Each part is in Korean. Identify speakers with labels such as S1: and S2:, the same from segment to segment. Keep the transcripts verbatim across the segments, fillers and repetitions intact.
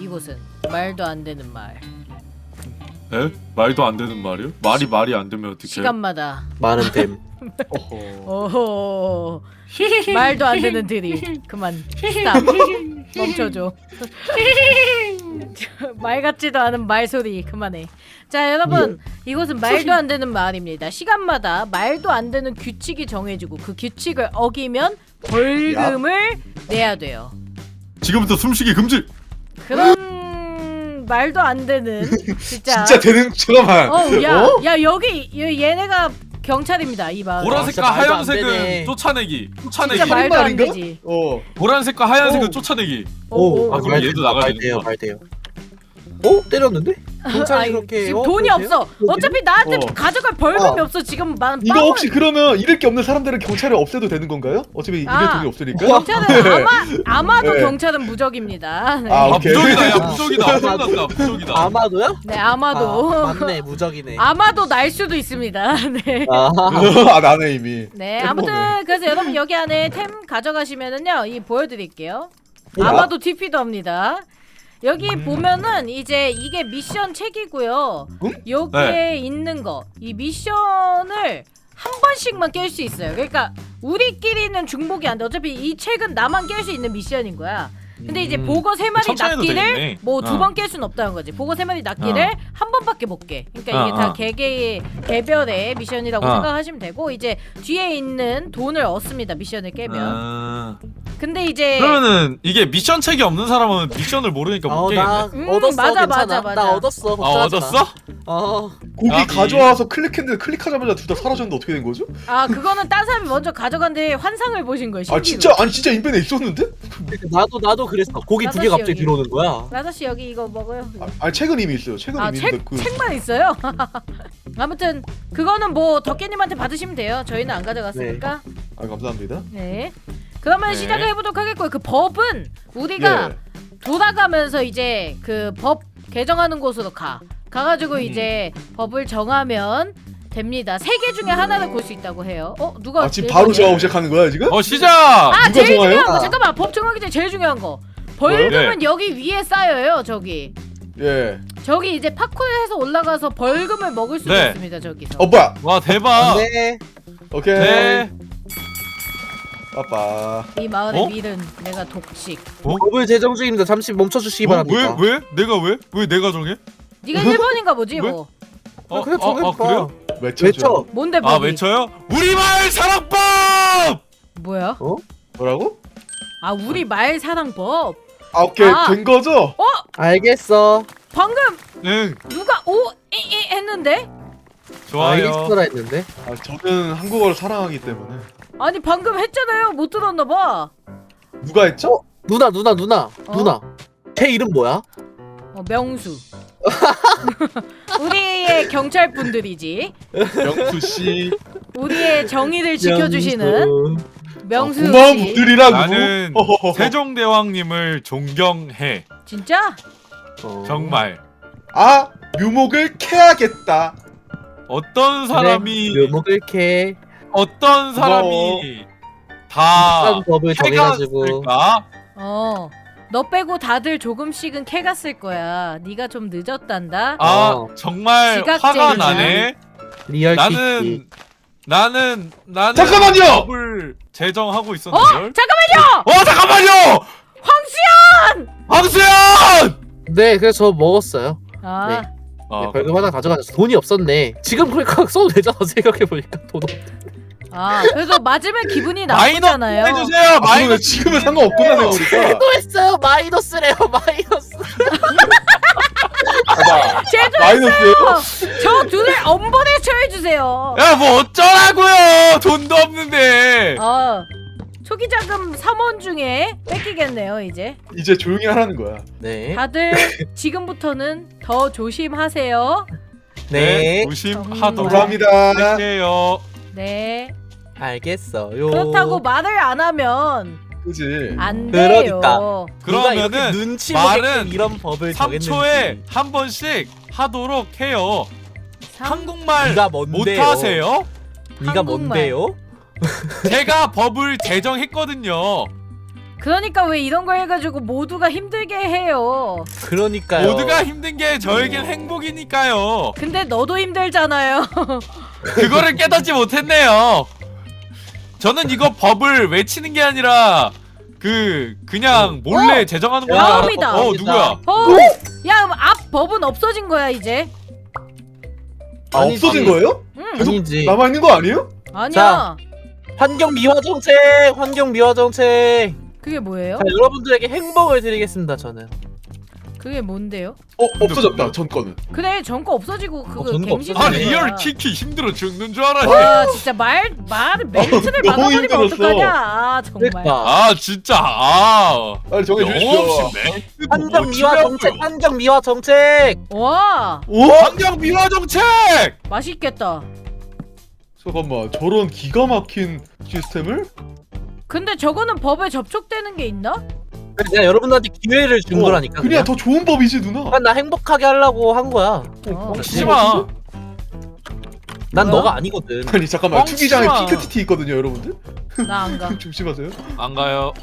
S1: 이곳은 말도 안 되는 말.
S2: 에? 말도 안 되는 말이요? 말이 말이 안 되면 어떡해?
S1: 시간마다
S3: 많은 댐.
S1: 오호 말도 안 되는 드립. 그만 스탑. 멈춰줘. 말 같지도 않은 말소리 그만해. 자 여러분 이곳은 말도 안 되는 말입니다. 시간마다 말도 안 되는 규칙이 정해지고 그 규칙을 어기면 벌금을 내야 돼요.
S2: 지금부터 숨쉬기 금지!
S1: 그런 말도 안 되는 진짜
S4: 진짜 되는 잠깐만.
S1: 어, 야,
S4: 어?
S1: 야 여기 여- 얘네가 경찰입니다 이 마을.
S2: 보라색과
S3: 진짜 말도 안 되네.
S2: 하얀색은 쫓아내기. 쫓아내기.
S1: 진짜 말도 안
S4: 말인가?
S1: 되지.
S4: 어.
S2: 보라색과 하얀색은
S4: 오.
S2: 쫓아내기.
S1: 오,
S2: 아, 그럼
S3: 말-
S2: 얘도 나가야
S3: 말 돼요,
S2: 되는구나.
S3: 말 돼요. 어? 때렸는데? 경찰이
S1: 아니,
S3: 그렇게
S1: 지금
S3: 어?
S1: 돈이
S3: 그러세요?
S1: 없어. 어차피 나한테
S4: 어.
S1: 가져갈 벌금이
S4: 아.
S1: 없어. 지금 만
S4: 이거
S1: 빵을-
S4: 혹시 그러면 잃을 게 없는 사람들은 경찰에 없애도 되는 건가요? 어차피 잃을
S1: 아.
S4: 돈이 없으니까.
S1: 경찰은 아마 아마도
S4: 네.
S1: 경찰은 무적입니다. 네.
S4: 아,
S2: 아
S4: 오케이.
S2: 무적이다. 야 무적이다. 엄청났다. 무적이다.
S3: 아마도요?
S1: 네, 아마도
S3: 아, 맞네, 무적이네.
S1: 아마도 날 수도 있습니다. 네.
S3: 아,
S4: 아 나네 이미.
S1: 네, 아무튼 그래서 여러분 여기 안에 템 가져가시면은요, 이 보여드릴게요.
S4: 뭐야?
S1: 아마도 티피도 합니다. 여기 보면은 이제 이게 미션 책이고요.
S4: 응?
S1: 여기에
S2: 네.
S1: 있는 거, 이 미션을 한 번씩만 깰 수 있어요. 그러니까 우리끼리는 중복이 안 돼. 어차피 이 책은 나만 깰 수 있는 미션인 거야. 근데 이제
S3: 음.
S1: 보거 세 마리
S2: 천천히도
S1: 낚기를
S2: 되겠네.
S1: 뭐 두
S2: 어.
S1: 번 깰 수는 없다는 거지. 보거 세 마리 낚기를
S2: 어.
S1: 한 번밖에 못 깨. 그러니까 이게
S2: 어,
S1: 다
S2: 어.
S1: 개개의 개별의 미션이라고
S2: 어.
S1: 생각하시면 되고 이제 뒤에 있는 돈을 얻습니다. 미션을 깨면.
S2: 아...
S1: 근데 이제
S2: 그러면은 이게 미션 책이 없는 사람은 미션을 모르니까 못
S3: 어, 나
S2: 깨겠네.
S1: 음,
S3: 얻었어,
S1: 맞아,
S3: 괜찮아.
S1: 맞아, 맞아.
S3: 나 얻었어,
S2: 아
S3: 걱정하지 마.
S2: 얻었어?
S3: 어,
S4: 고기
S2: 나비.
S4: 가져와서 클릭했는데 클릭하자마자 둘 다 사라졌는데 어떻게 된 거죠?
S1: 아 그거는 딴 사람이 먼저 가져간데 환상을 보신 거예요.
S4: 아
S1: 신기루.
S4: 진짜 아니 진짜 인벤에 있었는데?
S3: 나도 나도 그랬어. 고기 두 개
S1: 나도
S3: 갑자기
S1: 여기.
S3: 들어오는 거야.
S1: 라더 씨 여기 이거 먹어요.
S4: 아, 아니 책은 이미 있어요. 책은
S1: 아
S4: 이미
S1: 책
S4: 있는데 그
S1: 책만 있어요. 아무튼 그거는 뭐 덕계님한테 받으시면 돼요. 저희는 안 가져갔으니까.
S4: 아 감사합니다.
S1: 네. 그러면
S2: 네.
S1: 시작을 해보도록 하겠고요. 그 법은 우리가
S4: 예.
S1: 돌아가면서 이제 그 법 개정하는 곳으로 가. 가가지고
S4: 음.
S1: 이제 법을 정하면 됩니다. 세 개 중에 하나를 골 수 있다고 해요. 어 누가?
S4: 아 지금
S1: 제일
S4: 바로
S1: 먼저?
S4: 정하고 시작하는 거야 지금?
S2: 어 시작!
S1: 아
S4: 누가
S1: 제일
S4: 정해요?
S1: 중요한 거
S3: 아.
S1: 잠깐만 법 정하기 전에 제일 중요한 거 벌금은
S2: 네.
S1: 여기 위에 쌓여요. 저기
S4: 예.
S1: 저기 이제 파쿠를 해서 올라가서 벌금을 먹을 수도
S2: 네.
S1: 있습니다. 저기서.
S4: 어 뭐야?
S2: 와 대박!
S3: 네.
S4: 오케이.
S2: 네.
S4: 아빠.
S1: 이 마을의
S2: 어?
S1: 밀은 내가 독식.
S3: 법을 제정 중입니다. 잠시 멈춰주시기
S2: 어?
S3: 바랍니다.
S2: 왜? 왜? 내가 왜? 왜 내가 정해?
S1: 네가 일 번인가 보지
S2: 왜?
S1: 뭐.
S2: 어,
S3: 그래,
S2: 아,
S3: 정해봐.
S2: 아 그래요?
S4: 외쳐줘.
S3: 외쳐.
S1: 뭔데
S2: 아
S1: 법이?
S2: 외쳐요? 우리마을 사랑법!
S1: 뭐야?
S3: 어?
S4: 뭐라고?
S1: 아 우리 말 사랑법.
S4: 아 오케이
S1: 아.
S4: 된 거죠?
S3: 알겠어.
S1: 방금
S2: 응
S1: 누가 오 이이 했는데?
S2: 좋아요.
S3: 알겠어라 했는데.
S4: 아 저는 한국어를 사랑하기 때문에.
S1: 아니 방금 했잖아요. 못 들었나 봐.
S4: 누가 했죠?
S3: 누나, 누나, 누나,
S1: 어?
S3: 누나. 걔 이름 뭐야?
S1: 어 명수. 우리의 경찰 분들이지.
S4: 명수 씨.
S1: 우리의 정의를 지켜주시는
S3: 명수.
S1: 명수
S4: 고마운
S1: 씨.
S4: 분들이라고.
S2: 나는
S4: 허허허허.
S2: 세종대왕님을 존경해.
S1: 진짜?
S3: 어.
S2: 정말.
S4: 아 묘목을 캐야겠다.
S2: 어떤 사람이
S3: 그래, 묘목을 캐.
S2: 어떤 사람이 다
S3: 한 법을 정해가지고.
S2: 해갔을까?
S1: 어. 너 빼고 다들 조금씩은 캐가 쓸 거야. 네가 좀 늦었단다.
S2: 아
S3: 어.
S2: 정말
S1: 지각쟁이다.
S2: 화가 나네.
S3: 리얼 키키.
S2: 나는 나는 나는
S4: 잠깐만요!
S2: 법을 제정하고
S1: 어?
S2: 있었는데.
S1: 잠깐만요!
S2: 어 잠깐만요!
S1: 황수연!
S2: 황수연!
S3: 네, 그래서 저 먹었어요.
S1: 아,
S3: 네.
S2: 어,
S3: 네, 벌금 하나 가져가셨어. 돈이 없었네. 지금 그러니까 써도 되잖아. 생각해보니까 돈 없.
S1: 아, 그래도 맞으면 기분이
S2: 마이너스
S1: 나쁘잖아요.
S2: 해주세요.
S4: 아, 그러네.
S2: 마이너스.
S4: 지금은 상관없구나 생각해보니까.
S3: 또 했어요. 마이너스래요. 마이너스.
S4: 봐봐.
S1: 제도
S4: 마이너스예요?
S1: 저 둘을 엄벌에 처해주세요.
S2: 야 뭐 어쩌라고요? 돈도 없는데.
S1: 어, 초기 자금 삼 원 중에 뺏기겠네요 이제.
S4: 이제 조용히 하라는 거야.
S3: 네.
S1: 다들 지금부터는 더 조심하세요.
S3: 네.
S2: 조심하도록
S4: 감사합니다.
S2: 할게요.
S1: 네.
S3: 알겠어요.
S1: 그렇다고 말을 안 하면
S4: 그지?
S1: 안 돼요.
S3: 그러니까.
S2: 그러면은
S3: 눈치
S2: 말은
S3: 보게끔 이런 법을
S2: 삼 초에
S3: 정했는지.
S2: 한 번씩 하도록 해요.
S1: 삼-
S2: 한국말
S3: 네가 뭔데요?
S2: 못하세요?
S3: 네가
S1: 한국말.
S3: 뭔데요?
S2: 제가 법을 제정했거든요.
S1: 그러니까 왜 이런 거 해가지고 모두가 힘들게 해요.
S3: 그러니까요.
S5: 모두가 힘든 게 저에겐 행복이니까요.
S1: 근데 너도 힘들잖아요.
S5: 그거를 깨닫지 못했네요. 저는 이거 법을 외치는 게 아니라 그 그냥 몰래
S1: 어?
S5: 제정하는 거
S1: 다음이다.
S5: 어 누구야?
S1: 어? 야, 그럼 앞 법은 없어진 거야 이제.
S4: 아
S3: 아니,
S4: 없어진
S3: 아니.
S4: 거예요?
S1: 응.
S3: 아니지.
S4: 남아 있는 거 아니에요?
S1: 아니야.
S3: 자. 환경 미화 정책, 환경 미화 정책.
S1: 그게 뭐예요?
S3: 자, 여러분들에게 행복을 드리겠습니다. 저는.
S1: 그게 뭔데요?
S4: 어 없어졌다 전 거는.
S1: 그래, 전거 없어지고 그거
S3: 어, 전거
S1: 갱신.
S5: 아
S3: 없어지네.
S5: 리얼 키키 힘들어 죽는 줄 알았네.
S1: 와, 진짜 말 말 멘트를
S4: 너무
S1: 막아버리면
S4: 힘들었어.
S1: 어떡하냐? 아, 정말.
S3: 그러니까.
S5: 아 진짜 아
S4: 빨리 정해주십시오.
S5: 영없이 매
S3: 환경 미화 정책, 환경 미화 정책.
S1: 와,
S4: 오?
S5: 환경 미화 정책.
S1: 맛있겠다.
S4: 잠깐만 저런 기가 막힌 시스템을?
S1: 근데 저거는 법에 접촉되는 게 있나?
S3: 내가 여러분들한테 기회를 준
S4: 어,
S3: 거라니까.
S4: 그냥 더 좋은 법이지 누나.
S3: 그냥 나 행복하게 하려고 한 거야.
S1: 어.
S5: 멈추지 마.
S3: 난
S1: 뭐야?
S3: 너가 아니거든.
S4: 아니 잠깐만
S5: 뻥치지
S4: 투기장에
S5: 마.
S4: 핑크 티티 있거든요 여러분들.
S1: 나 안 가.
S4: 조심하세요.
S5: 안 가요.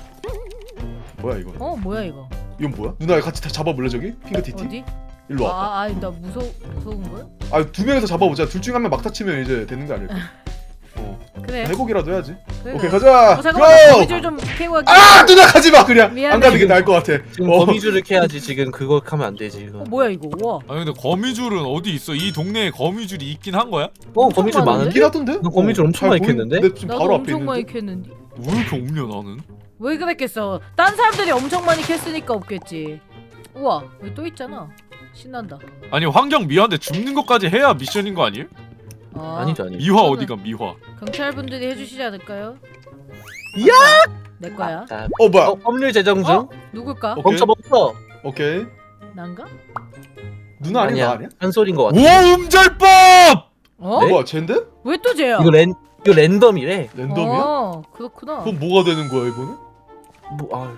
S4: 뭐야 이거?
S1: 어, 뭐야 이거?
S4: 이건 뭐야? 누나 같이 다 잡아볼래 저기? 핑크 티티?
S1: 어디?
S4: 일로 와봐.
S1: 아, 아, 나 무서 무서운 거야?
S4: 아 두 명이서 잡아보자. 둘 중 한 명 막타 치면 이제 되는 거 아닐까? 어.
S1: 그래.
S4: 회복이라도 해야지.
S1: 그래.
S4: 오케이 가자.
S1: 어, 잠깐만.
S4: 고!
S1: 거미줄 좀 캐고 갈게.
S4: 아 누나 가지 마 그냥.
S1: 미안해.
S4: 안 가는 게 나을 것 같아.
S3: 지금
S4: 어.
S3: 거미줄을 캐야지. 지금 그거 하면 안 되지. 이거.
S1: 어, 뭐야 이거? 와.
S5: 아니 근데 거미줄은 어디 있어? 이 동네에 거미줄이 있긴 한 거야?
S3: 어 거미줄
S1: 많은데?
S3: 많은데?
S4: 있긴 하던데?
S3: 너 거미줄 엄청 많이 캤는데?
S4: 내 지금
S1: 나도
S4: 바로 앞에
S1: 엄청 많이
S4: 있는데.
S1: 캤는데.
S5: 왜 이렇게 없냐 나는?
S1: 왜 그랬겠어? 딴 사람들이 엄청 많이 캤으니까 없겠지. 우와, 여기 또 있잖아. 신난다.
S5: 아니 환경 미화인데 줍는 것까지 해야 미션인 거 아니에요?
S1: 아,
S3: 아니죠 아니죠.
S5: 미화 어디가 미화?
S1: 경찰분들이 해주시지 않을까요?
S3: 이야!
S1: 내 거야.
S3: 자,
S4: 어 뭐야?
S3: 어, 법률 제정 중.
S1: 어? 누굴까?
S4: 어?
S3: 멈춰 멈춰.
S4: 오케이.
S1: 난가?
S4: 누나 아니야? 나 아니야?
S3: 한 소린 거 같아.
S5: 오음절법!
S1: 어?
S3: 네?
S4: 뭐야 쟤인데?
S1: 왜 또 쟤야?
S3: 이거 랜 이거 랜덤이래.
S4: 랜덤이야?
S1: 어, 그렇구나.
S4: 그럼 뭐가 되는 거야 이거는?
S3: 뭐 아.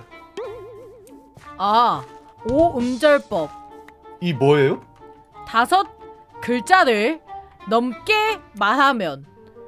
S1: 아, 오음절법.
S4: 이 뭐예요?
S1: 다섯 글자를 넘게 말하면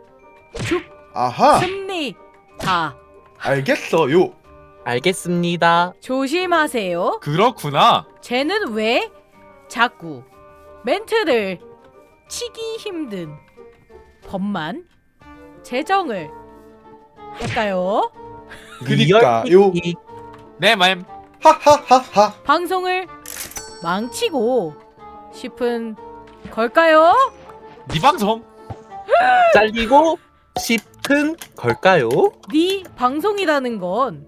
S4: 아하
S1: 죽습니다.
S4: 알겠어요.
S3: 알겠습니다.
S1: 조심하세요.
S5: 그렇구나.
S1: 쟤는 왜 자꾸 멘트를 치기 힘든 법만 제정을 할까요?
S4: 그니까요.
S3: 리얼
S5: 네 맘.
S4: 하하하하.
S1: 방송을 망치고 싶은 걸까요?
S5: 네 방송.
S3: 잘리고 싶은 걸까요?
S1: 네 방송이라는 건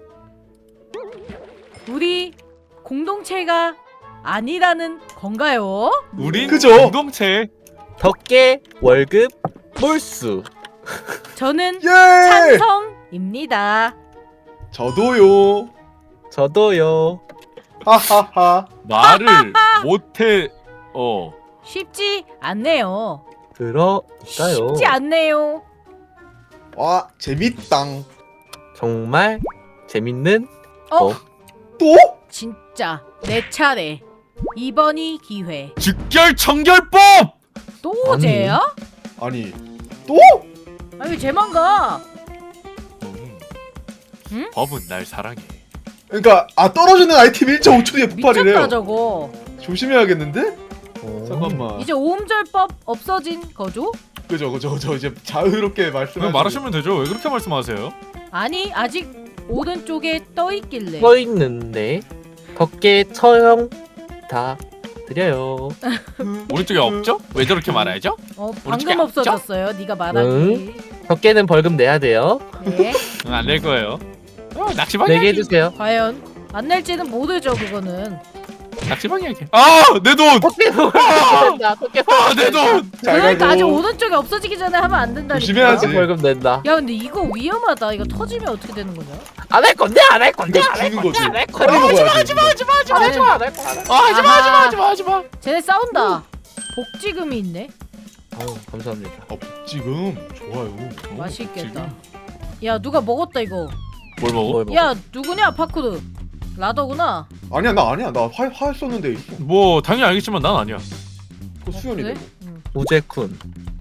S1: 우리 공동체가 아니라는 건가요?
S5: 우린
S4: 그죠?
S5: 공동체.
S3: 덕계 월급 몰수.
S1: 저는
S4: 예.
S1: 찬성입니다.
S4: 저도요.
S3: 저도요.
S4: 하하하.
S5: 말을 못해. 어.
S1: 쉽지 않네요.
S3: 그러니까요.
S1: 쉽지 않네요.
S4: 와 재밌당.
S3: 정말 재밌는
S1: 어?
S3: 어?
S4: 또?
S1: 진짜 내 차례. 이번이 기회.
S5: 즉결 청결법.
S1: 또
S3: 아니.
S1: 쟤야?
S4: 아니 또?
S1: 아 왜 쟤만 가?
S5: 음.
S1: 응?
S5: 법은 날 사랑해.
S4: 그러니까 아 떨어지는 아이템 일 점 오 초 뒤에 폭발이래요.
S1: 미쳤다 저거.
S4: 조심해야겠는데?
S3: 어.
S4: 잠깐만.
S1: 이제 오음절법 없어진 거죠?
S4: 그죠 그죠 그죠 이제 자유롭게 말씀하시고.
S5: 그냥 말하시면 되죠. 왜 그렇게 말씀하세요?
S1: 아니 아직 오른쪽에 떠 있길래.
S3: 써 있는데 덕계 처형 다 드려요.
S5: 오른쪽에 없죠? 왜 저렇게 말하죠?
S1: 어
S5: 오른쪽에
S1: 방금
S5: 없죠?
S1: 없어졌어요. 네가 말하기.
S3: 덕계는 벌금 내야 돼요.
S1: 네.
S5: 안 낼 거예요. 어, 낚시방이
S3: 내게
S5: 하기.
S3: 해주세요.
S1: 과연 안 낼지는 모르죠 그거는.
S5: 낚시방이 하기. 아, 내 돈.
S3: 덕계 벌금 낸다. 덕계
S5: 아, 내 돈.
S4: 잘
S1: 그러니까 아직
S4: 가고.
S1: 오른쪽에 없어지기 전에 하면 안 된다니까.
S4: 조심해야지.
S3: 벌금 낸다.
S1: 야 근데 이거 위험하다. 이거 터지면 어떻게 되는 거냐?
S3: 안 할 건데 안 할 건데
S4: 이거
S3: 안 할
S4: 죽는
S3: 건데
S4: 거지.
S3: 안 할
S4: 빨리
S3: 건데.
S4: 먹어야지.
S3: 안 하지 마 하지 마 하지 마 안 할 거야. 안 할 거야.
S5: 아, 하지 마, 하지 마, 하지 마, 하지 마.
S1: 쟤네 싸운다. 복지금이 있네.
S3: 아유 감사합니다.
S4: 어, 지금 좋아요. 어,
S1: 맛있겠다. 야 누가 먹었다 이거.
S5: 뭘 먹어?
S3: 뭘 먹어?
S1: 야 누구냐 파쿠르. 라더구나.
S4: 아니야 나 아니야 나활활 썼는데 있어.
S5: 뭐 당연히 알겠지만 난 아니야.
S4: 그거 수연이네.
S1: 그래? 응.
S3: 우제쿤.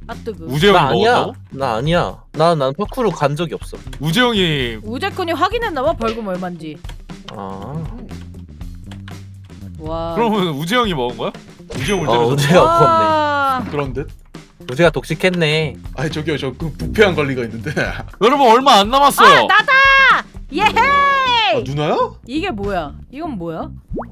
S1: 아뜨그.
S5: 우재형이
S3: 나 아니야.
S5: 먹었다고?
S3: 나 아니야. 나 난 파쿠르 간 적이 없어.
S5: 우재형이
S1: 우재쿤이 확인했나봐 벌금 얼마인지.
S3: 아.
S1: 와.
S5: 그러면 우재형이 먹은 거야? 우재형을
S3: 어,
S5: 때려서
S3: 우재가 먹었네.
S1: 와.
S4: 그런 듯?
S3: 우재가 독식했네.
S4: 아니 저기요 저 그 부패한 관리가 있는데. 아
S5: 여러분 얼마 안 남았어요.
S1: 아 나다. 예헤이.
S4: 누나야?
S1: 이게 뭐야? 이건 뭐야?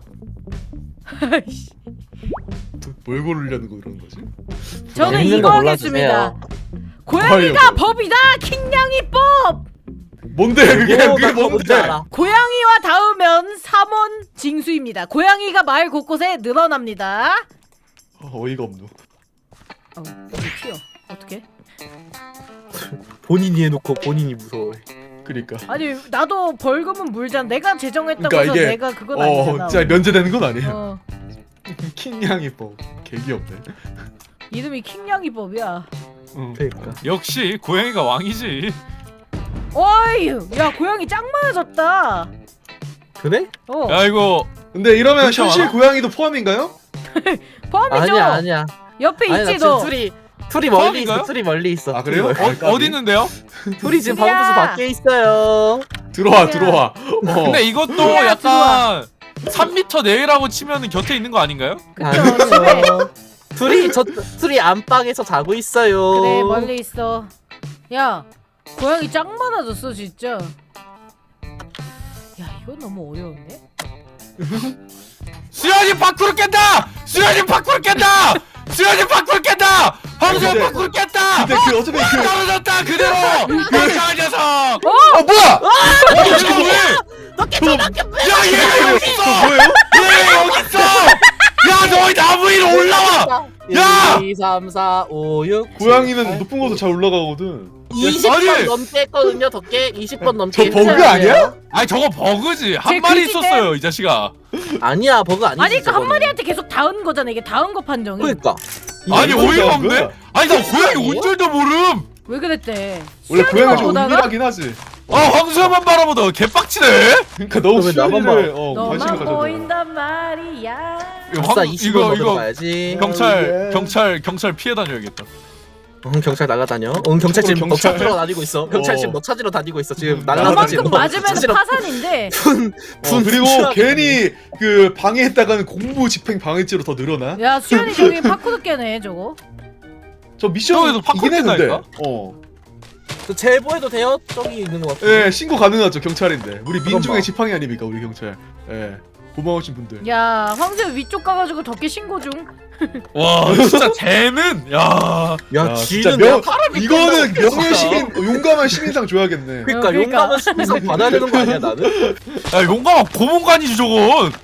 S4: 뭘 고르려는 거 그런 거지?
S1: 저는
S3: 재밌는
S1: 이거
S3: 거
S1: 하겠습니다.
S3: 골라주세요.
S1: 고양이가
S4: 뭐예요?
S1: 법이다. 킹냥이법.
S4: 뭔데 그게
S3: 오,
S4: 그게
S3: 나 그거 뭔지
S4: 뭔데?
S3: 알아.
S1: 고양이와 닿으면 삼원 징수입니다. 고양이가 마을 곳곳에 늘어납니다.
S4: 어, 어이가 없노.
S1: 어, 여기 튀어. 어떻게?
S3: 본인이 해놓고 본인이 무서워해.
S4: 그니까.
S1: 아니 나도 벌금은 물잖아. 내가 제정했다고
S4: 그러니까
S1: 해서
S4: 이게
S1: 내가 그건
S4: 어
S1: 아니잖아.
S4: 진짜 면제되는 건 아니에요.
S1: 어,
S4: 킹냥이 뭐 개귀엽네.
S1: 이름이 킹냥이법이야.
S4: 응.
S3: 그러니까.
S5: 역시 고양이가 왕이지.
S1: 어이, 야 고양이 짱 많아졌다.
S3: 그래?
S1: 어,
S5: 야 이거
S4: 근데 이러면
S5: 그렇죠.
S4: 현실 고양이도 포함인가요?
S1: 포함이죠.
S3: 아니야 아니야.
S1: 옆에
S3: 아니, 나
S1: 있지
S3: 지금
S1: 너.
S3: 둘이 둘이 멀리
S5: 포함인가요?
S3: 있어. 둘이 멀리 있어.
S4: 아, 그래요?
S3: 둘이, 멀리.
S5: 어, 어디 있는데요?
S3: 둘이 지금
S1: 둘이야.
S3: 방구수 밖에 있어요.
S4: 들어와
S1: 야.
S4: 들어와. 어.
S5: 근데 이것도
S1: 들어와,
S5: 약간 삼 미터 내외라고 치면은 곁에 있는 거 아닌가요?
S1: 그쵸, 집에.
S3: 둘이 저 둘이 안방에서 자고 있어요.
S1: 그래 멀리 있어. 야 고양이 짱 많아졌어 진짜. 야 이건 너무 어려운데?
S5: 수현이 밖으로 깬다! 수현이 밖으로 깬다! 수현이 밖으로 깬다! 황수현
S4: 근데-
S5: 밖으로 깬다!
S4: 근데 그 어차피 그
S5: 떨어졌다 그대로! 멍청한 녀석!
S4: 어 뭐야?
S5: 어, 이거 왜?
S3: 너 깨져밖에
S5: 야 얘가 여기 있어!
S4: 뭐예요?
S5: 얘 여기 있어! 야 너희 나무 위로 올라와! 야!
S3: 일, 이, 삼, 사, 오, 육.
S4: 고양이는 높은 곳으로 잘 올라가거든.
S3: 이십 번
S5: 아니!
S3: 넘게 했거든요. 덕계 이십 번 넘게.
S4: 저
S3: 했어요.
S4: 버그 아니야?
S5: 아니 저거 버그지 한
S1: 제
S5: 마리
S1: 글짓대?
S5: 있었어요 이 자식아.
S3: 아니야 버그 아니지.
S1: 아니 그한
S3: 저거는.
S1: 마리한테 계속 닿은 거잖아. 이게 닿은 거 판정이.
S3: 그러니까.
S5: 아니
S4: 이거
S5: 어이가
S4: 뭐야?
S5: 없네? 아니 나 고양이
S3: 아니에요?
S5: 운줄도 모름!
S1: 왜 그랬대?
S4: 원래 고양이가 좀
S1: 보다가?
S4: 은밀하긴 하지.
S5: 아 황수현만 바라보다 개빡치네?
S4: 그러니까 너무
S3: 왜 나만
S4: 수현이를 어, 관심을
S1: 너만
S4: 가졌네.
S1: 보인단 말이야.
S5: 이거
S3: 아싸
S5: 황-
S3: 이십 번
S5: 이거
S3: 넘어
S5: 이거
S3: 가야지.
S5: 경찰
S4: 예.
S5: 경찰 경찰 피해 다녀야겠다.
S3: 응 경찰 나가다녀. 응 경찰 지금 너
S4: 경찰.
S3: 찾으러 다니고 있어. 경찰
S4: 어.
S3: 지금 너 찾으러 다니고 있어. 지금
S4: 음,
S3: 날라다 지금.
S1: 그만큼 맞으면
S3: 찾으러-
S1: 파산인데.
S4: 어, 그리고 괜히 그 방해했다가는 공무 집행 방해죄로 더 늘어나.
S1: 야 수현이 저기 파쿠드 깨네 저거.
S4: 저 미션
S5: 저기도 팝콘
S4: 이긴 했는데.
S5: 뜬다니까?
S4: 어.
S3: 저 제보해도 돼요? 저기 있는 것 같아.
S4: 예, 신고 가능하죠 경찰인데. 우리
S3: 그럼
S4: 민중의
S3: 뭐.
S4: 지팡이 아닙니까 우리 경찰. 예. 고마우신 분들.
S1: 야 황수현 위쪽 가가지고 덕계 신고 중.
S5: 와 진짜 쟤는 야
S3: 야
S4: 야, 진짜
S3: 쥐는
S4: 명-
S3: 내가 사람이
S4: 이거는
S3: 끝나고
S4: 명예 시민 어, 용감한 시민상 줘야겠네.
S3: 그러니까
S1: 어, 그러니까.
S3: 용감한 시민상 받아야 되는 거 아니야 나는?
S5: 야 용감한 고문관이지 저건.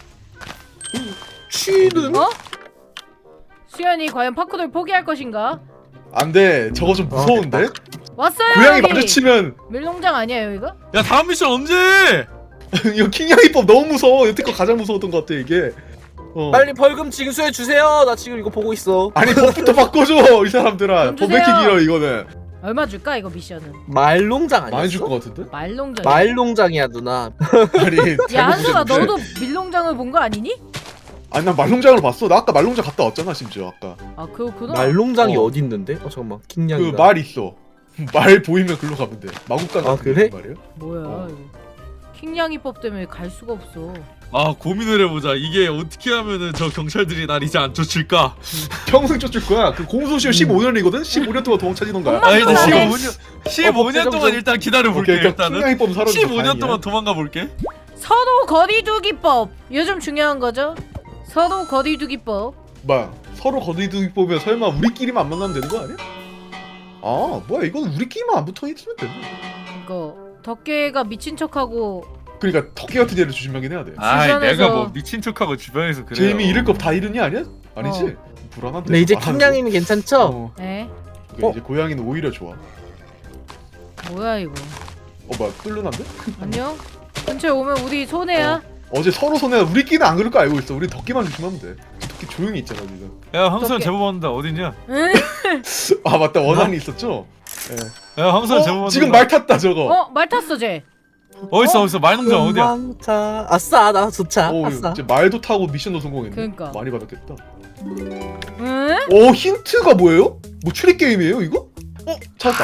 S3: 쥐는?
S1: 어? 수현이 과연 파쿠드를 포기할 것인가?
S4: 안돼, 저거 좀 무서운데?
S1: 왔어요
S4: 고양이
S1: 여기.
S4: 마주치면
S1: 밀농장 아니에요 이거?
S5: 야 다음 미션 언제?
S4: 이거 킹냥이법 너무 무서워. 여태껏 가장 무서웠던 것 같아 이게. 어.
S3: 빨리 벌금 징수해 주세요. 나 지금 이거 보고 있어.
S4: 아니 법부터 바꿔줘 이 사람들아.
S1: 돈
S4: 법 왜 이렇게
S1: 주세요.
S4: 길어 이거는.
S1: 얼마 줄까 이거 미션은?
S3: 말농장 아니었어?
S4: 많이 줄 것 같은데?
S1: 말농장.
S3: 말농장이야 누나.
S4: 아니
S1: 야
S4: 잘못
S1: 한솔아
S4: 보셨는데.
S1: 너도 밀농장을 본 거 아니니?
S4: 아니 난 말농장을 봤어. 나 아까 말농장 갔다 왔잖아 심지어 아까.
S1: 아 그렇구나.
S3: 말농장이
S4: 어.
S3: 어. 디 있는데? 어 잠깐만 킹냥이가.
S4: 그 말 있어. 말 보이면 글로 가면 돼. 마국간
S3: 아,
S4: 같은
S3: 그래?
S4: 말이야.
S1: 뭐야
S4: 어.
S1: 이거. 킹냥이법 때문에 갈 수가 없어.
S5: 아 고민을 해보자. 이게 어떻게 하면은 저 경찰들이 날 이제 안 쫓을까?
S4: 평생 쫓을 거야. 그 공소시효 십오 년이거든. 십오 년 동안 도망 찾는 거야.
S1: 엄마
S5: 아 일단
S1: 그만해.
S5: 십오 년 십오 년 동안 일단 기다려 볼게.
S4: 오케이,
S5: 일단은
S4: 킹냥이법 사러.
S5: 십오 년 동안 도망가 볼게.
S1: 서로 거리두기법. 요즘 중요한 거죠. 서로 거리두기법.
S4: 뭐야? 서로 거리두기 보면 설마 우리끼리만 안 만나면 되는 거 아니야? 아 뭐야 이건 우리끼리만 안 붙어 있으면 되네.
S1: 이거 덕계가 미친 척하고
S4: 그러니까 덕기 같은 애를 조심하긴 해야 돼.
S5: 아
S1: 주변에서-
S5: 내가 뭐 미친 척하고 주변에서 그래.
S4: 쟤 이미 잃을 거 다 잃으니 아니야? 아니지?
S1: 어.
S4: 불안한데.
S3: 근데 이제
S4: 말하는
S3: 킹냥이는 괜찮죠?
S4: 거. 어.
S1: 에?
S4: 그 이제 고양이는 오히려 좋아.
S1: 뭐야 이거.
S4: 어 뭐야 뚫려난데?
S1: 안녕? 근처에 오면 우리 손해야.
S4: 어제 서로 손에 우리끼리는 안 그럴 거 알고 있어. 우리 덕기만 조심하면 돼. 덕기 조용히 있잖아 지금.
S5: 야 황수현
S1: 어떡해.
S5: 제보 받는다. 어딨냐?
S1: 응?
S4: 아 맞다 원한이 있었죠? 예.
S5: 야 황수현 제보
S4: 어,
S5: 받는다.
S4: 지금 말 탔다 저거.
S1: 어? 말 탔어 쟤.
S5: 어딨어 어딨어 말농장 어디야?
S3: 도망차. 아싸 나 좋자.
S4: 오
S3: 아싸.
S4: 이제 말도 타고 미션도 성공했네.
S1: 그러니까.
S4: 많이 받았겠다.
S1: 응?
S4: 오 힌트가 뭐예요? 뭐 추리 게임이에요 이거? 어 찾았다.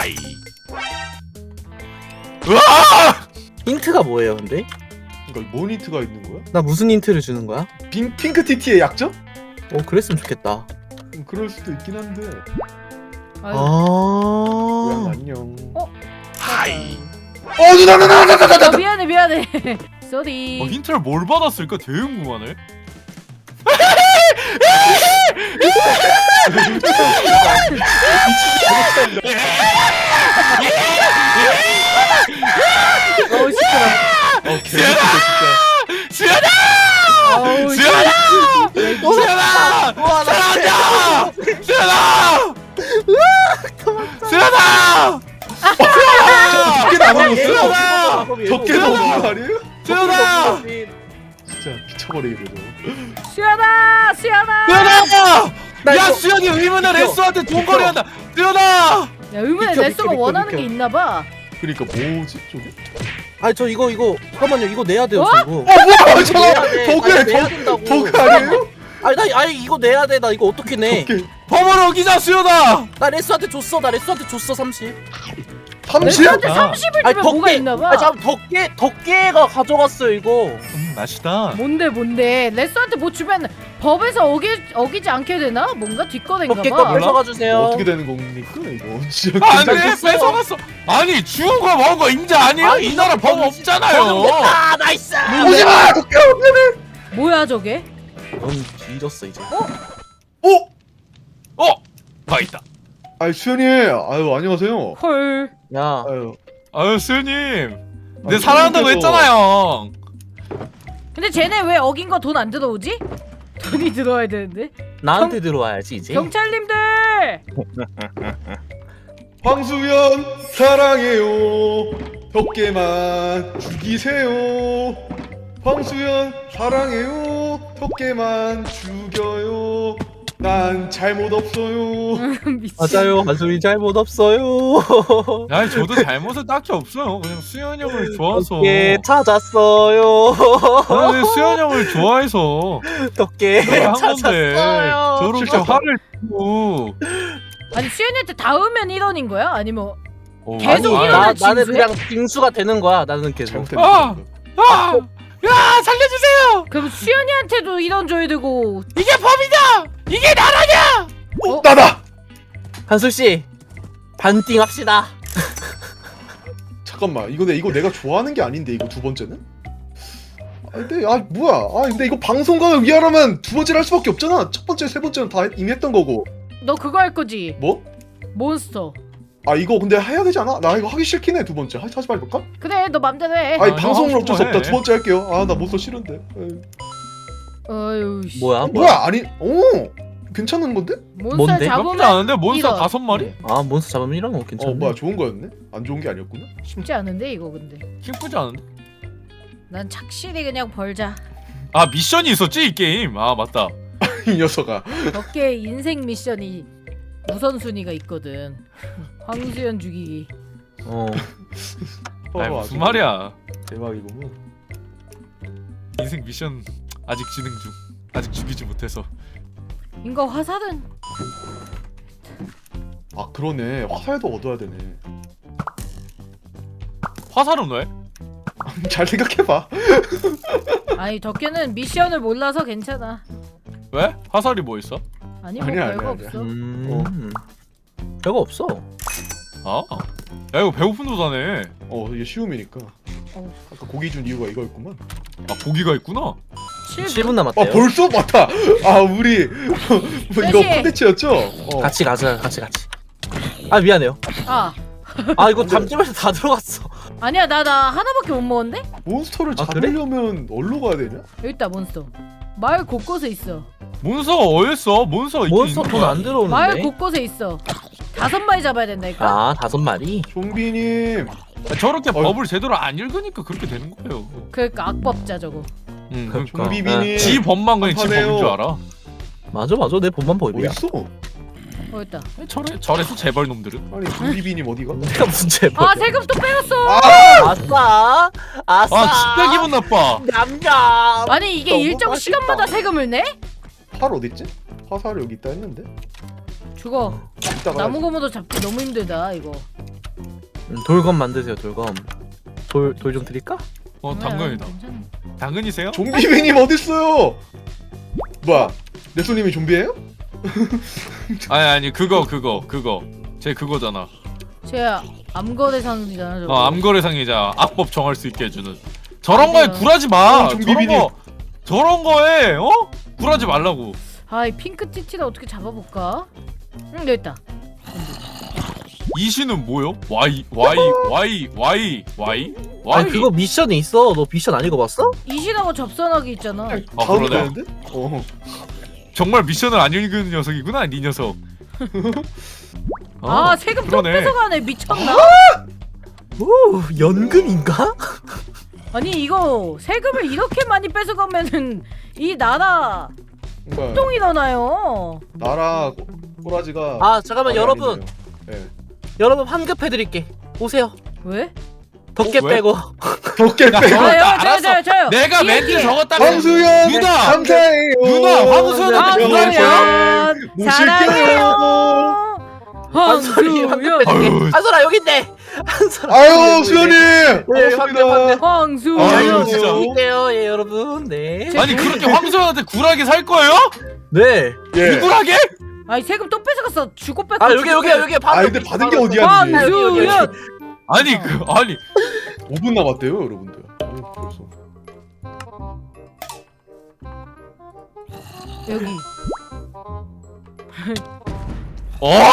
S5: 으아!
S3: 힌트가 뭐예요 근데?
S4: 그러니까 뭔 힌트가 있는 거야?
S3: 나 무슨 힌트를 주는 거야?
S4: 빙 핑크 티티의 약점?
S3: 어 그랬으면 좋겠다.
S4: 음, 그럴 수도 있긴 한데.
S1: 아유,
S4: 고양
S3: 아.
S4: 안녕.
S1: 어?
S4: 어 누나 누나 누나 누나
S1: 아,
S4: 누나.
S1: 미안해 미안해. 쏘리.
S5: 어, 힌트를 뭘 받았을까 되게 궁금하네.
S1: 어우 시끄러.
S4: 어 개새끼다 진짜.
S5: 수연아!
S1: 어우
S5: 수연아!
S1: 씨.
S5: 수연아! 사랑한다! 수연아! 수연아!
S4: 적게 남았어요.
S5: 수연아!
S4: 적게 남은 거 아니에요?
S5: 수연아!
S4: 진짜 미쳐버리겠네 저.
S1: 수연아 수연아.
S5: 수연아!
S3: 나
S5: 야
S3: 이거-
S5: 수연이 의문의
S3: 비켜.
S5: 레스한테 돈거래한다. 수연아!
S1: 야 의문의
S3: 비켜,
S1: 레스가
S3: 비켜, 비켜,
S1: 원하는
S3: 비켜.
S1: 게 있나봐.
S4: 그러니까 뭐지 저게?
S3: 아니 저 이거 이거 잠깐만요 이거 내야 돼요
S1: 어?
S3: 저 이거.
S4: 어 뭐야
S3: 내야
S4: 잠깐
S3: 돼.
S4: 버그야
S3: 아니, 내야
S4: 버
S3: 된다고.
S4: 버그 아니에요?
S3: 아니 나 아니 이거 내야 돼 나 이거 어떻게 내?
S4: 적게
S5: 법을 어기자 수연아!
S3: 나 레스한테 줬어 나 레스한테 줬어 삼십.
S4: 삼십?
S1: 레스한테
S5: 아.
S1: 삼십을
S3: 아니
S1: 주면 뭐가 있나봐.
S3: 아니 잠 덕계 덕계가 가져갔어요 이거.
S5: 음 맛있다.
S1: 뭔데 뭔데 레스한테 뭐 주면 법에서 어기 어기지 않게 되나? 뭔가
S3: 덕계 거
S1: 뒷거래인가봐.
S3: 뺏어가 주세요.
S4: 어떻게 되는 겁니까 이거? 진짜
S5: 안돼
S4: 괜찮겠어요?
S5: 뺏어갔어. 아니 주운 거 먹은 거 인자 아니에요?
S3: 아니,
S5: 이 나라 법 없잖아요.
S3: 아 나이스.
S4: 오지마 덕게 없네.
S1: 뭐야 저게?
S3: 넌 뒤졌어 이제.
S4: 어?
S5: 어? 봐 있다.
S4: 아이 수현이 아유 안녕하세요.
S1: 헐.
S3: 야
S4: 아유
S5: 아유 수연님. 내
S4: 아니,
S5: 사랑한다고
S4: 그래도-
S5: 했잖아요.
S1: 근데 쟤네 왜 어긴 거 돈 안 들어오지? 돈이 들어와야 되는데.
S3: 나한테 들어와야지 이제.
S1: 경찰님들.
S4: 황수연 사랑해요. 덕계만 죽이세요. 황수연 사랑해요. 덕계만 죽여요. 난 잘못 없어요.
S1: 미친.
S3: 맞아요 한소리 잘못 없어요.
S5: 아니 저도 잘못은 딱히 없어요. 그냥 수연 형을 좋아서.
S3: 덕계 찾았어요.
S5: 아니 수연 형을 좋아해서
S3: 덕계
S5: 그렇게 한 건데
S3: 찾았어요.
S5: 저렇게
S4: 진짜.
S5: 화를 내고.
S1: 아니 수연이한테 닿으면 일 원인 거야? 아니면
S5: 어,
S1: 계속
S5: 아니,
S1: 일어나-
S3: 나,
S1: 진수해?
S3: 나는 그냥 빙수가 되는 거야. 나는 계속.
S4: 잘못된
S5: 아!
S4: 거.
S5: 아! 야 살려주세요!
S1: 그럼 수연이한테도 일 원 줘야 되고.
S5: 이게 법이다! 이게 나라냐!
S4: 어 나다.
S3: 한솔 씨 반띵 합시다.
S4: 잠깐만 이거 내 이거 내가 좋아하는 게 아닌데 이거 두 번째는? 아 근데 아 뭐야? 아 근데 이거 방송국을 위하려면 두 번째를 할 수밖에 없잖아. 첫 번째, 세 번째는 다 이미 했던 거고.
S1: 너 그거 할 거지?
S4: 뭐?
S1: 몬스터.
S4: 아 이거 근데 해야 되지 않아? 나 이거 하기 싫긴 해 두 번째. 하, 하지 말까?
S1: 그래 너 맘대로 해.
S4: 아니
S5: 아,
S4: 방송을
S5: 하고
S4: 어쩔 수
S5: 싶어
S4: 없다.
S5: 해.
S4: 두 번째 할게요. 아 나 몬스터 싫은데. 에이.
S1: 어휴 씨.
S3: 뭐야?
S4: 어, 뭐야? 아니 오 괜찮은 건데?
S1: 몬스터
S3: 뭔데?
S5: 나쁘지
S1: 잡으면
S5: 않은데 몬스터
S1: 이런.
S5: 다섯 마리?
S3: 아 몬스터 잡으면 이런 거 괜찮네.
S4: 어 뭐야 좋은 거였네? 안 좋은 게 아니었구나.
S1: 쉽지 않은데 이거 근데.
S5: 기쁘지 않은데?
S1: 난 착실히 그냥 벌자.
S5: 아 미션이 있었지 이 게임. 아 맞다.
S4: 이 녀석아.
S1: 덕계 인생 미션이 우선순위가 있거든. 황수연 죽이기.
S3: 어.
S5: 아니
S4: 어,
S5: 무슨
S4: 아주
S5: 말이야.
S4: 대박이구만.
S5: 인생 미션 아직 진행 중. 아직 죽이지 못해서.
S1: 인거 화살은
S4: 아 그러네. 화살도 얻어야 되네.
S5: 화살은 왜?
S4: 잘 생각해봐.
S1: 아니 덕계는 미션을 몰라서 괜찮아.
S5: 왜? 화살이 뭐 있어?
S1: 아니 뭐
S4: 아니야,
S1: 별거
S4: 아니야,
S1: 없어.
S3: 음. 별거 없어.
S5: 아? 야 이거 배고픈 도다네.
S4: 어 이게 쉬움이니까.
S1: 어.
S4: 아까 고기 준 이유가 이거였구만.
S5: 아 고기가 있구나.
S1: 칠
S3: 칠 분
S4: 아
S3: 남았대요.
S4: 벌써 맞다. 아 우리 뭐 이거
S1: 셋이.
S4: 콘텐츠였죠? 어.
S3: 같이 가자. 같이 같이. 아 미안해요.
S1: 아
S3: 아 이거 담집에서 다 들어갔어.
S1: 아니야 나 나 하나밖에 못 먹었는데?
S4: 몬스터를
S3: 아, 그래?
S4: 잡으려면 어디로 가야 되냐?
S1: 여기 있다 몬스터. 마을 곳곳에 있어.
S5: 몬스터가 어딨어? 몬스터가 있긴
S3: 몬스터
S5: 있는
S3: 돈
S5: 거야.
S3: 안 들어오는데.
S1: 마을 곳곳에 있어. 다섯 마리 잡아야 된다니까.
S3: 아 다섯 마리.
S4: 좀비님.
S5: 아, 저렇게
S4: 어이.
S5: 법을 제대로 안 읽으니까 그렇게 되는 거예요.
S1: 그러니까 악법자 저거.
S5: 응,
S3: 그러니까.
S5: 그러니까.
S4: 좀비비님.
S5: 지 법만 그냥 지
S4: 한판해요.
S5: 법인 줄 알아.
S3: 맞아 맞아 내 본만 보이야.
S4: 어딨어?
S1: 어 있다.
S5: 저래 저래서 재벌 놈들은.
S4: 아니 좀비비님 어디가?
S3: 내가 무슨 재벌?
S1: 아 세금 또 빼갔어.
S4: 아!
S3: 아싸 아싸.
S5: 아 진짜 기분 나빠.
S3: 냠냠.
S1: 아니 이게
S3: 너무
S1: 일정
S3: 맛있다.
S1: 시간마다 세금을 내?
S4: 활 어딨지? 화살 여기 있다 했는데.
S1: 죽어.
S4: 이따가
S1: 나무 고무도 잡기 너무 힘들다 이거.
S3: 음, 돌검 만드세요 돌검. 돌 돌 좀 드릴까?
S5: 어 당근이다.
S1: 괜찮아.
S5: 당근이세요?
S4: 좀비비님 어딨어요? 뭐야? 내손님이 좀비예요?
S5: 아니 아니 그거 그거 그거 제 그거잖아.
S1: 제 암거래상이잖아 저거.
S5: 어 암거래상이자 악법 정할 수 있게 해주는. 저런 거에
S1: 아니요.
S5: 굴하지 마.
S4: 어,
S5: 저런
S4: 좀비비님.
S5: 거 저런 거에 어 굴하지 말라고.
S1: 아이 핑크 티티를 어떻게 잡아볼까? 응 여기 있다.
S5: 이시는 뭐요? Y Y Y Y Y Y.
S3: 아니 그거 미션이 있어. 너 미션 안 읽어봤어?
S1: 이신하고 접선하기 있잖아.
S5: 아,
S4: 다음
S5: 그러네.
S4: 되는데? 어.
S5: 정말 미션을 안 읽은 녀석이구나, 네 녀석. 어,
S1: 아 세금 또
S5: 그러네.
S1: 뺏어가네 미쳤나?
S3: 오 연금인가?
S1: 아니 이거 세금을 이렇게 많이 뺏어가면은 이 나라
S4: 그러니까
S1: 똥이 일어나요.
S4: 나라 꼬- 꼬라지가.
S3: 아 잠깐만
S4: 말이
S3: 여러분
S4: 아니네요. 예.
S3: 여러분 환급해드릴게. 오세요.
S1: 왜?
S3: 덕계
S5: 어, 왜?
S3: 빼고.
S4: 덕계
S5: 야,
S4: 빼고.
S5: 저거-
S1: 저요 저요
S5: 알았어.
S1: 저요 저요.
S5: 내가
S1: 뒤에,
S5: 멘트
S1: 뒤에.
S5: 적었다면
S4: 황수연
S5: 누나!
S4: 감사해요.
S5: 누나, 황수연한테
S1: 황수연
S4: 모실게요.
S1: 사랑해요.
S3: 한솔이
S1: 황수연
S3: 환급해줄게.
S5: 아유.
S3: 한솔아 여기 있네. 한솔아.
S4: 아유 수연님.
S3: 네, 환급 환급.
S4: 반갑습니다.
S1: 황수연
S5: 아유, 진짜.
S3: 드릴게요 예 여러분. 네.
S5: 아니 그렇게 황소연한테 굴하게 살 거예요?
S3: 네.
S4: 예.
S5: 굴하게?
S1: 아니 세금 또 뺏어갔어. 주고 뺏고.
S3: 아 여기 여기 여기
S4: 아 근데 받은 게 어디야? 근데.
S1: 황수연
S5: 아니 그 아니
S4: 오 분 남았대요, 여러분들. 어, 벌써.
S1: 여기.
S5: 어?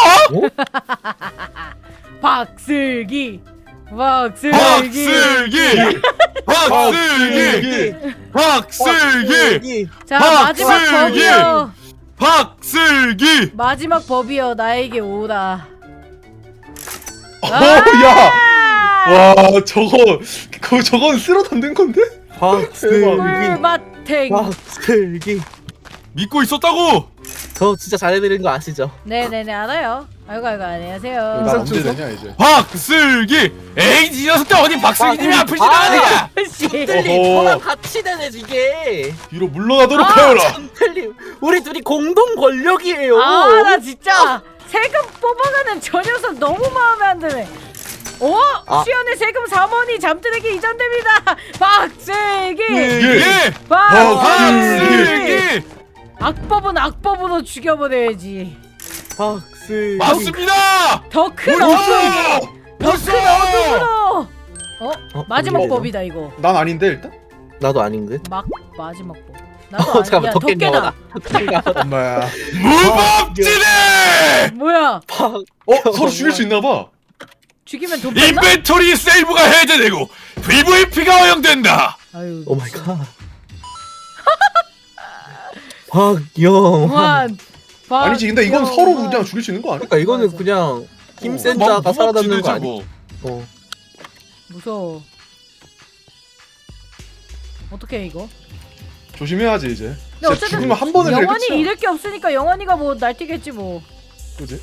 S1: 박슬기 박슬기
S5: 박슬기 박슬기 박슬기
S1: 자
S5: 박슬기!
S1: 마지막 법이여
S5: 박슬기
S1: 마지막 법이여 나에게 오라.
S4: 어, 야. 와, 저거 그 저건 쓸어 담는 건데?
S3: 박슬기.
S1: 꿀맛탱.
S3: 박슬기.
S5: 믿고 있었다고.
S3: 저 진짜 잘해드리는 거 아시죠?
S1: 네네네 알아요. 아이고 아이고 안녕하세요.
S4: 나 언제 되냐 이제?
S5: 박슬기 에이 이 녀석들 어디 박슬기님이
S3: 아,
S5: 아프지
S3: 아,
S5: 않으냐?
S1: 씨.
S3: 틀림
S4: 어허.
S3: 저랑 같이 되네 이게.
S4: 뒤로 물러나도록
S1: 아,
S4: 하여라.
S3: 틀림 우리 둘이 공동 권력이에요.
S1: 아 나 진짜 세금 뽑아가는 저 녀석 너무 마음에 안 드네. 어?
S3: 아.
S1: 수연의 세금 삼 원이 잠들에게 이전됩니다. 박슬기
S5: 예
S1: 박슬기
S5: 박슬기
S1: 악법은 악법으로 죽여버려야지.
S3: 박슬기.
S5: 맞습니다.
S1: 더 큰
S5: 옳지.
S1: 어둠 더
S5: 옳지.
S1: 큰 어둠으로. 어?
S3: 어,
S1: 마지막
S3: 뭐야, 이거?
S1: 법이다 이거.
S4: 난 아닌데 일단.
S3: 나도 아닌데.
S1: 막 마지막 법. 나도
S3: 어
S1: 아니야.
S3: 잠깐만 덕계인가
S1: 덕계다.
S3: 보다. 덕계인가 보다.
S4: 엄마야.
S5: 무법지대
S1: 뭐야?
S3: 박.
S4: 어, 서로 죽일 수 있나 봐.
S1: 죽이면 돈 받나?
S5: 인벤토리 세이브가 해제되고 브이브이피가 허용된다.
S1: 아유.
S3: 오 마이 갓. 박영환.
S1: 환. 박-
S4: 아니지, 근데 이건
S1: 영-
S4: 서로
S1: 환.
S4: 그냥 죽일 수 있는 거 아니야?
S3: 그러니까 이거는
S1: 맞아.
S3: 그냥 힘센
S5: 막
S3: 자가 살아남는
S5: 무법지대지
S3: 거 아니?
S5: 뭐.
S3: 어.
S1: 무서워. 어떻게 해 이거?
S4: 조심해야지 이제.
S1: 근데
S4: 진짜
S1: 어쨌든
S4: 죽으면 한 번은 해,
S1: 영원히
S4: 그치?
S1: 잃을 게 없으니까 영원히가 뭐 날뛰겠지 뭐.
S4: 그지?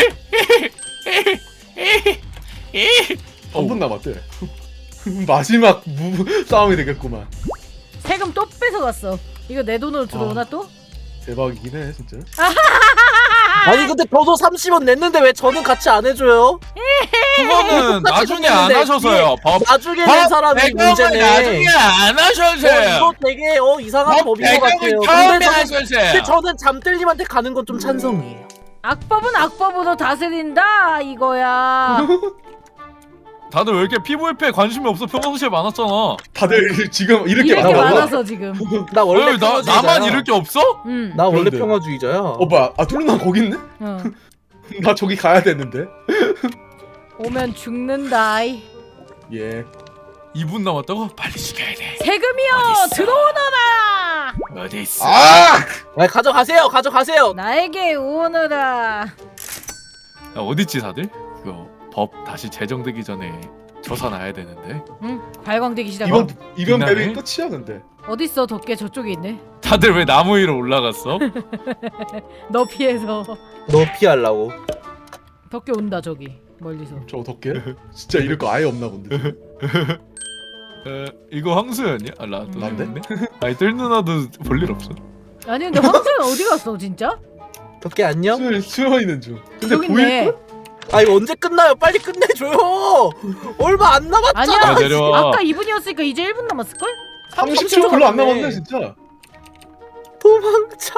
S5: 어우.
S4: 한 분 남았대. 마지막 무 싸움이 되겠구만.
S1: 세금 또 뺏어갔어. 이거 내 돈으로 들어오나
S4: 아.
S1: 또?
S4: 대박이긴 해 진짜.
S3: 아니 근데 저도 삼십 원 냈는데 왜 저는 같이 안 해줘요?
S5: 그거는
S3: 똑같이
S5: 나중에 안
S3: 생겼는데
S5: 하셔서요. 법
S3: 나중에 낸 사람이
S5: 배경을
S3: 문제네.
S5: 나중에 안
S3: 어,
S5: 하셔서요.
S3: 이거 되게 어 이상한
S5: 법
S3: 법인 것 같아요.
S5: 배경을 처음에
S3: 근데 저는,
S5: 하셔서요.
S3: 근데 저는 잠들님한테 가는 건 좀 찬성이에요.
S1: 악법은 악법으로 다스린다 이거야.
S5: 다들 왜 이렇게 피부에 관심이 없어? 평상시에 많았잖아.
S4: 다들 지금 이렇게
S1: 이렇게
S4: 많아.
S1: 많아서 지금.
S3: 나 원래
S5: 왜, 나,
S3: 평화주의자야.
S5: 나만 이럴 게 없어?
S1: 응.
S3: 나 원래
S4: 그런데.
S3: 평화주의자야.
S4: 어 뭐야? 아 뚫루나 거기 있네?
S1: 어.
S4: 나 저기 가야 되는데.
S1: 오면 죽는다.
S4: 예.
S5: 이 분 남았다고? 빨리 죽여야 돼.
S1: 세금이여
S5: 어딨어?
S1: 들어오너라.
S5: 어디 있어?
S4: 아!
S3: 아 가져가세요, 가져가세요.
S1: 나에게 오너라.
S5: 야, 어딨지 다들? 그거 법 다시 제정되기 전에 조사놔야 되는데.
S1: 응? 발광되기 시작.
S4: 이번 이번
S5: 빛나네?
S4: 맵이 끝이야 근데.
S1: 어딨어 덕계 저쪽에 있네.
S5: 다들 왜 나무 위로 올라갔어?
S1: 너 피해서.
S3: 너 피하려고.
S1: 덕계 온다 저기 멀리서.
S4: 저 덕계? 진짜 이럴 거 아예 없나 본데.
S5: 에, 이거 황수연이야? 아 나도
S4: 난데?
S5: 있네? 아니 뜰 누나도 볼 일 없어.
S1: 아니 근데 황수연 어디 갔어 진짜?
S3: 덕계 안녕?
S4: 수영 수영 있는 중. 근데
S1: 저기
S4: 보일
S1: 있네.
S4: 걸?
S3: 아 이거 언제 끝나요? 빨리 끝내줘요. 얼마 안 남았잖아.
S1: 아니야.
S5: 야, 내려와.
S1: 아까 이 분이었으니까 이제 일 분 남았을걸?
S4: 삼십 초 별로 안
S3: 남았네.
S4: 남았네 진짜.
S3: 도망쳐.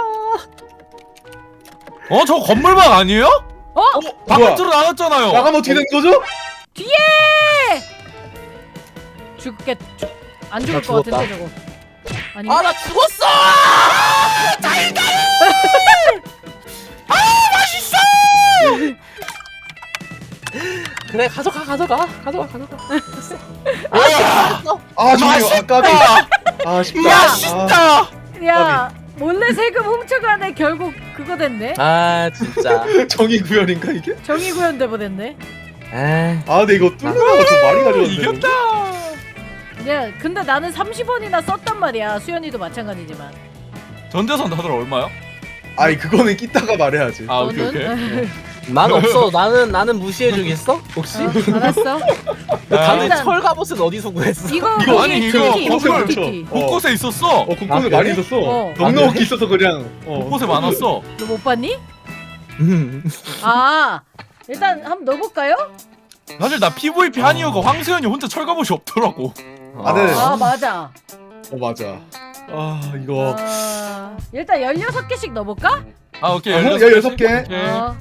S5: 어? 저 건물방 아니에요?
S1: 어?
S4: 뭐야?
S5: 바깥으로 나갔잖아요.
S4: 나가면 어떻게 된 거죠?
S1: 뒤에! 죽겠... 죽... 안 죽을
S3: 나
S1: 것
S3: 죽었다.
S1: 같은데 저거. 아니
S3: 아 나 죽었어. 그래 가져가 가져가 가져가 가져가.
S4: 아 저기요. 아까비. 아 쉽다. 아,
S5: 맛있다.
S1: 야 몰래 세금 훔쳐가네. 결국 그거 됐네.
S3: 아 진짜.
S4: 정의 구현인가 이게?
S1: 정의구현 대보됐네.
S3: 아
S4: 아 근데 이거 뚫려나가 좀 많이 가져왔네.
S5: 이겼다.
S1: 야 근데 나는 삼십 원이나 썼단 말이야. 수연이도 마찬가지지만.
S5: 전재산 다들 얼마요?
S4: 아니 그거는 끼다가 말해야지.
S5: 아 오케이 오케이.
S1: 너는?
S3: 난 없어. 나는 나는 무시해 주겠어? 혹시?
S1: 어, 알았어.
S3: 다들
S1: 일단-
S3: 철 갑옷은 어디서 구했어?
S1: 이거
S4: 이거
S5: 아니,
S1: 거기
S5: 이거
S1: 티티,
S4: 곳에
S1: 이거
S4: 멈춰.
S1: 티티.
S4: 어.
S5: 곳곳에 있었어.
S4: 어 곳곳에
S3: 아, 그래?
S4: 많이 있었어.
S1: 어.
S4: 넉넉히 있어서 그냥. 어.
S5: 곳곳에 많았어.
S1: 너 못 봤니?
S3: 음.
S1: 아 일단 한번 넣어볼까요?
S5: 사실 나 피브이피 한 이유가 황수연이 혼자 철갑옷이 없더라고.
S4: 아, 네.
S1: 아 맞아.
S4: 어 맞아. 아 이거.
S1: 아, 일단 열여섯 개씩 넣어볼까?
S5: 아 오케이
S4: 아,
S5: 열여섯
S4: 열여섯 개.
S5: 오케이.
S1: 어.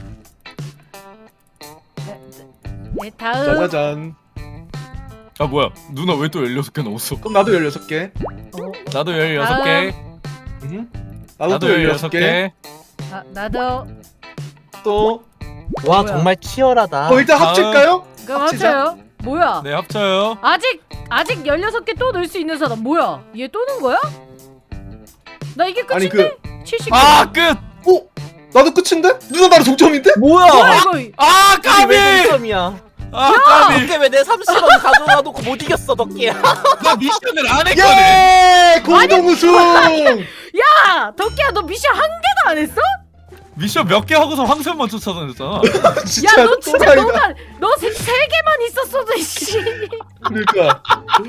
S1: 네, 네, 다음.
S4: 짜자잔.
S5: 아 뭐야 누나 왜 또 열여섯 개 넣었어?
S4: 그럼 나도 열여섯 개.
S1: 어,
S5: 나도 열여섯 개.
S4: 나도,
S5: 나도
S4: 또 열여섯 개.
S5: 개.
S1: 아, 나도.
S4: 또.
S3: 와
S1: 뭐야?
S3: 정말 치열하다.
S4: 어 일단
S5: 다음.
S4: 합칠까요?
S1: 그럼
S4: 합치자.
S1: 합쳐요. 뭐야?
S5: 네 합쳐요.
S1: 아직 아직 열여섯 개 또 넣을 수 있는 사람 뭐야? 얘 또 넣은 거야? 나 이게
S4: 아니
S1: 끝인데?
S4: 그.
S1: 칠십 개.
S5: 아 끝.
S4: 어? 나도 끝인데? 누나 나랑 동점인데?
S3: 뭐야?
S1: 뭐야 이거?
S5: 아
S3: 이게
S5: 까비.
S3: 왜 동점이야?
S5: 아 까비.
S3: 덕계 왜 내 삼십 원 가져가 놓고 못 이겼어 덕계야?
S5: 나 미션을 안 했거든.
S4: 예! 공동 우승!
S1: 야, 덕기야 너 미션 한 개도 안 했어?
S5: 미션 몇 개 하고서 황수연만 쫓아다녔잖아.
S4: 진짜
S1: 야, 너 진짜
S4: 또라이다.
S1: 너가 너 세 개만 있었어도 씨.
S4: 그러니까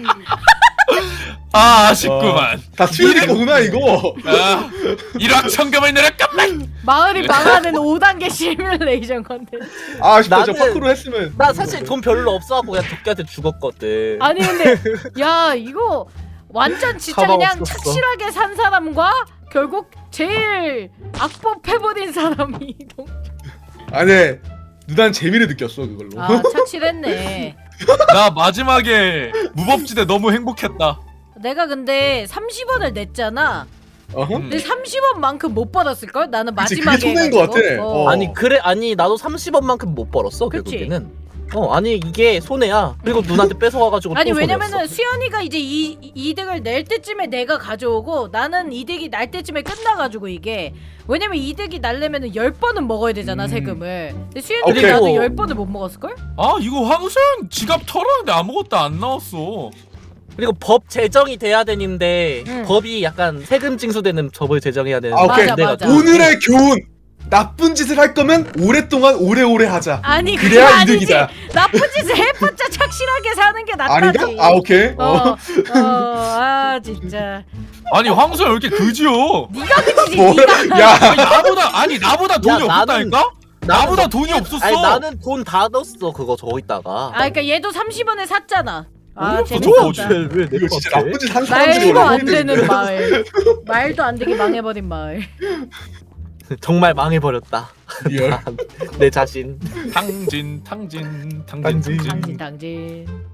S5: 아 아쉽구만.
S4: 다 수일이 거구나 이거.
S5: 아 일확천금을 내렸건만.
S1: 마을이 망하는 오 단계 시뮬레이션 컨텐츠.
S4: 아 아쉽다. 저
S3: 나는-
S4: 파크로 했으면.
S3: 나 사실 돈 별로 없어갖고 그냥 덕계한테 죽었거든.
S1: 아니 근데 야 이거 완전 진짜
S3: 가방
S1: 그냥
S3: 없었어.
S1: 착실하게 산 사람과 결국 제일 악법해버린 사람이 동-
S4: 아니 누난 재미를 느꼈어 그걸로.
S1: 아 착실했네.
S5: 나 마지막에 무법지대 너무 행복했다.
S1: 내가 근데 삼십 원을 냈잖아.
S4: 어허?
S5: 음.
S1: 근데 삼십 원만큼 못 받았을걸? 나는
S4: 그치,
S1: 마지막에
S4: 그게 손해인 것
S1: 해가지고.
S4: 같아.
S1: 어.
S4: 어.
S3: 아니 그래 아니 나도 삼십 원만큼 못 벌었어
S1: 그치?
S3: 결국에는. 어 아니 이게 손해야. 그리고 누나한테 뺏어와가지고
S1: 아니
S3: 또
S1: 왜냐면은
S3: 손해였어.
S1: 수연이가 이제 이 이득을 낼 때쯤에 내가 가져오고 나는 이득이 날 때쯤에 끝나가지고 이게 왜냐면 이득이 날려면은 열 번은 먹어야 되잖아
S4: 음.
S1: 세금을. 근데 수연이
S4: 오케이.
S1: 나도 열 번을 못 먹었을 걸?
S5: 아 이거 황수연 지갑 털었는데 아무것도 안 나왔어.
S3: 그리고 법 제정이 돼야 되는데
S1: 응.
S3: 법이 약간 세금 징수되는 법을 제정해야 되는.
S4: 아 오케이.
S1: 맞아, 맞아.
S4: 오늘의 교훈. 나쁜 짓을 할 거면 오랫동안 오래오래 하자.
S1: 아니 그게
S4: 그래야
S1: 아니지.
S4: 이득이다.
S1: 나쁜 짓을 해봤자 착실하게 사는 게 낫다지.
S4: 아닌가? 아 오케이.
S1: 어,
S4: 어.
S1: 어, 아 진짜.
S5: 아니 황수연 왜 이렇게 그지요?
S1: 네가 그지지.
S4: 뭐?
S1: 네가.
S4: 야.
S5: 아니, 나보다 아니 나보다 돈이
S3: 야, 나는-
S5: 없었다니까? 나보다 돈이 없었어.
S3: 아니 나는 돈 다 넣었어 그거 저거 있다가.
S1: 아 그러니까 얘도 삼십 원에 샀잖아. 아
S5: 어디서
S1: 재밌었다.
S5: 저거
S3: 왜내
S4: 이거 진짜 나쁜 짓 한 사람들이
S1: 말도 안
S4: 원래
S1: 되는 마을. 말도 안 되게 망해버린 마을.
S3: 정말 망해버렸다.
S4: 리얼.
S3: 내 자신.
S5: 탕진 탕진 탕진
S3: 탕진.
S5: 탕진.
S1: 당진 당진.